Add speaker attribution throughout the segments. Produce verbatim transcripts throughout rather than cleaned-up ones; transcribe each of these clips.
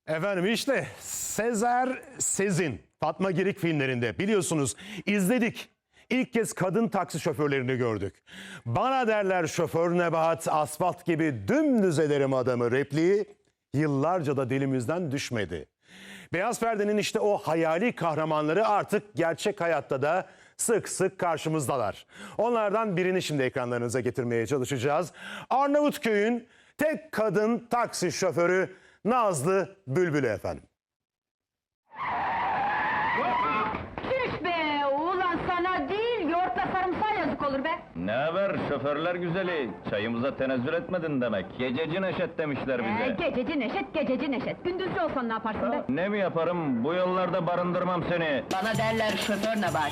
Speaker 1: Efendim işte Sezer Sezin, Fatma Girik filmlerinde biliyorsunuz izledik. İlk kez kadın taksi şoförlerini gördük. Bana derler şoför Nebahat, asfalt gibi dümdüz ederim adamı repliği yıllarca da dilimizden düşmedi. Beyaz Perde'nin işte o hayali kahramanları artık gerçek hayatta da sık sık karşımızdalar. Onlardan birini şimdi ekranlarınıza getirmeye çalışacağız. Arnavutköy'ün tek kadın taksi şoförü Nazlı Bülbül'ü efendim.
Speaker 2: Tüh be! Ulan sana değil, yoğurtla sarımsağa yazık olur be!
Speaker 3: Ne haber şoförler güzeli? Çayımıza tenezzül etmedin demek. Gececi Neşet demişler bize.
Speaker 2: Ee, gececi Neşet, gececi Neşet. Gündüzcü olsan ne yaparsın be?
Speaker 3: Ne mi yaparım? Bu yollarda barındırmam seni.
Speaker 4: Bana derler şoför Nebahat.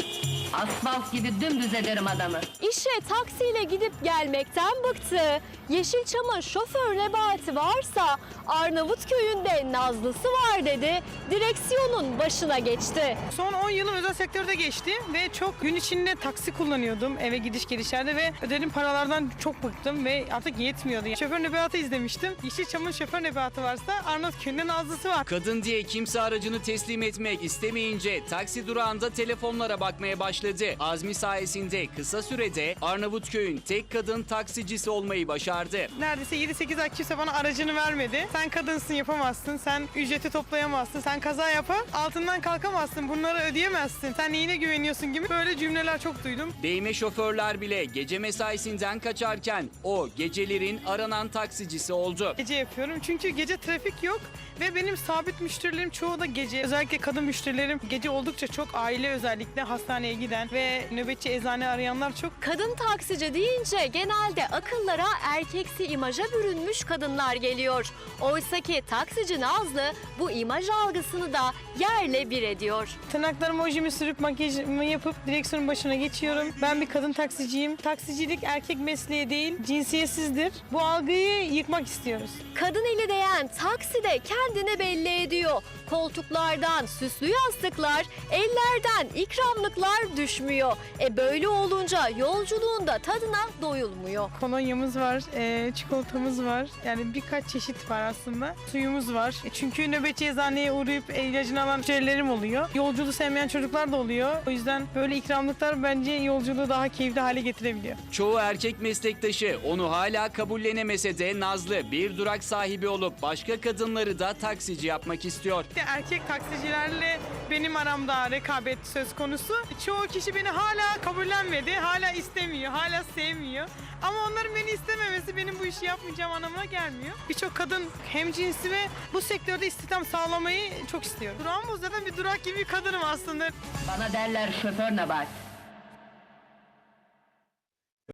Speaker 4: Asfalt gibi dümdüz ederim adamı.
Speaker 5: İşe taksiyle gidip gelmekten bıktı. Yeşilçam'ın şoför Nebahati varsa Arnavutköy'ün de Nazlısı var dedi. Direksiyonun başına geçti.
Speaker 6: Son on yılım özel sektörde geçti ve çok gün içinde taksi kullanıyordum eve gidiş gelişlerde ve ödediğim paralardan çok bıktım ve artık yetmiyordu. Şoför Nebahat'ı izlemiştim. Yeşilçam'ın şoför Nebahat'ı varsa Arnavutköy'ün de Nazlısı var.
Speaker 7: Kadın diye kimse aracını teslim etmek istemeyince taksi durağında telefonlara bakmaya başladı. Azmi sayesinde kısa sürede Arnavutköy'ün tek kadın taksicisi olmayı başardı.
Speaker 6: Neredeyse yedi sekiz ay kimse bana aracını vermedi. Sen kadınsın, yapamazsın, sen ücreti toplayamazsın, sen kaza yapar altından kalkamazsın, bunları ödeyemezsin, sen neyine güveniyorsun gibi böyle cümleler çok duydum.
Speaker 7: Değme şoförler bile gece mesaisinden kaçarken o gecelerin aranan taksicisi oldu.
Speaker 6: Gece yapıyorum çünkü gece trafik yok ve benim sabit müşterilerim çoğu da gece. Özellikle kadın müşterilerim gece oldukça çok, aile özellikle hastaneye giden ve nöbetçi eczane arayanlar çok.
Speaker 5: Kadın taksici deyince genelde akıllara erkeksi imaja bürünmüş kadınlar geliyor. Oysaki taksici Nazlı bu imaj algısını da yerle bir ediyor.
Speaker 6: Tırnaklarıma ojimi sürüp makyajımı yapıp direksiyonun başına geçiyorum. Ben bir kadın taksiciyim. Taksicilik erkek mesleği değil, cinsiyetsizdir. Bu algıyı yıkmak istiyoruz.
Speaker 5: Kadın eli değen takside kendini belli ediyor. Koltuklardan süslü yastıklar, ellerden ikramlıklar düşmüyor. E böyle olunca yolculuğunda tadına doyulmuyor.
Speaker 6: Kolonyamız var, e, çikolatamız var. Yani birkaç çeşit var aslında. Suyumuz var. E çünkü nöbetçi eczaneye uğrayıp ilacını alan müşterilerim oluyor. Yolculuğu sevmeyen çocuklar da oluyor. O yüzden böyle ikramlıklar bence yolculuğu daha keyifli hale getirebiliyor.
Speaker 7: Çoğu erkek meslektaşı onu hala kabullenemese de Nazlı bir durak sahibi olup başka kadınları da taksici yapmak istiyor.
Speaker 6: İşte erkek taksicilerle benim aramda rekabet söz konusu. Çoğu kişi beni hala kabullenmedi, hala istemiyor, hala sevmiyor. Ama onların beni istememesi benim bu işi yapmayacağım anlamına gelmiyor. Birçok kadın hemcinsi ve bu sektörde istihdam sağlamayı çok istiyor. Durağım zaten bir durak gibi bir kadınım aslında.
Speaker 4: Bana derler şoför Nebahat.